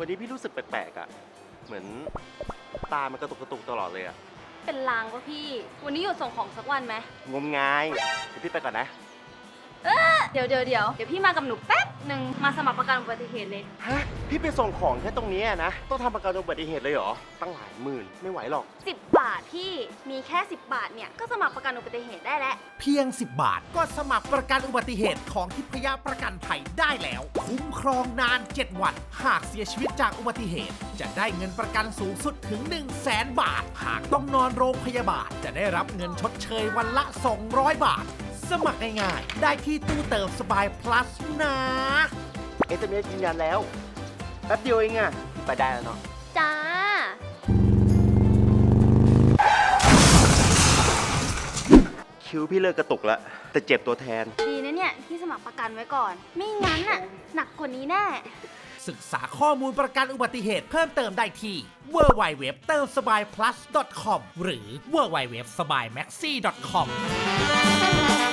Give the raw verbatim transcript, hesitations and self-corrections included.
วันนี้พี่รู้สึกแปลกๆอ่ะเหมือนตามันกระตุกกระตุกตลอดเลยอ่ะเป็นลางปะพี่ วันนี้หยุดส่งของสักวันไหมงมงายเดี๋ยวพี่ไปก่อนนะเดี๋ยวเดี๋ยวเดี๋ยวเดี๋ยวพี่มากับหนูแป๊บหนึ่งมาสมัครประกันอุบัติเหตุเลยฮะพี่ไปส่งของแค่ตรงนี้อะนะต้องทำประกันอุบัติเหตุเลยเหรอตั้งหลายหมื่นไม่ไหวหรอกสิบบาทพี่มีแค่สิบบาทเนี่ยก็สมัครประกันอุบัติเหตุได้แล้วเพียง สิบบาทก็สมัครประกันอุบัติเหตุของทิพยประกันภัยได้แล้ว คุ้มครองนาน เจ็ด วัน หากเสียชีวิตจากอุบัติเหตุ จะได้เงินประกันสูงสุดถึง หนึ่งแสน บาท หากต้องนอนโรงพยาบาลจะได้รับเงินชดเชยวันละ สองร้อย บาท สมัครง่ายๆได้ที่ตู้เติมสบาย plus นะเอสเอ็มเอสยืนยันแล้วแป๊บเดียวเองอ่ะไปได้แล้วเนาะจ้าคิวพี่เลิกกระตุกแล้วแต่เจ็บตัวแทนดีนะเนี่ยที่สมัครประกันไว้ก่อน ไม่งั้นน่ะหนักกว่านี้แน่ศึกษาข้อมูลประกันอุบัติเหตุเพิ่มเติมได้ที่ ดับเบิลยู ดับเบิลยู ดับเบิลยู ดอท เติมสบาย พลัส ดอท คอม หรือ ดับเบิลยู ดับเบิลยู ดับเบิลยู ดอท สบายแม็กซี่ ดอท คอม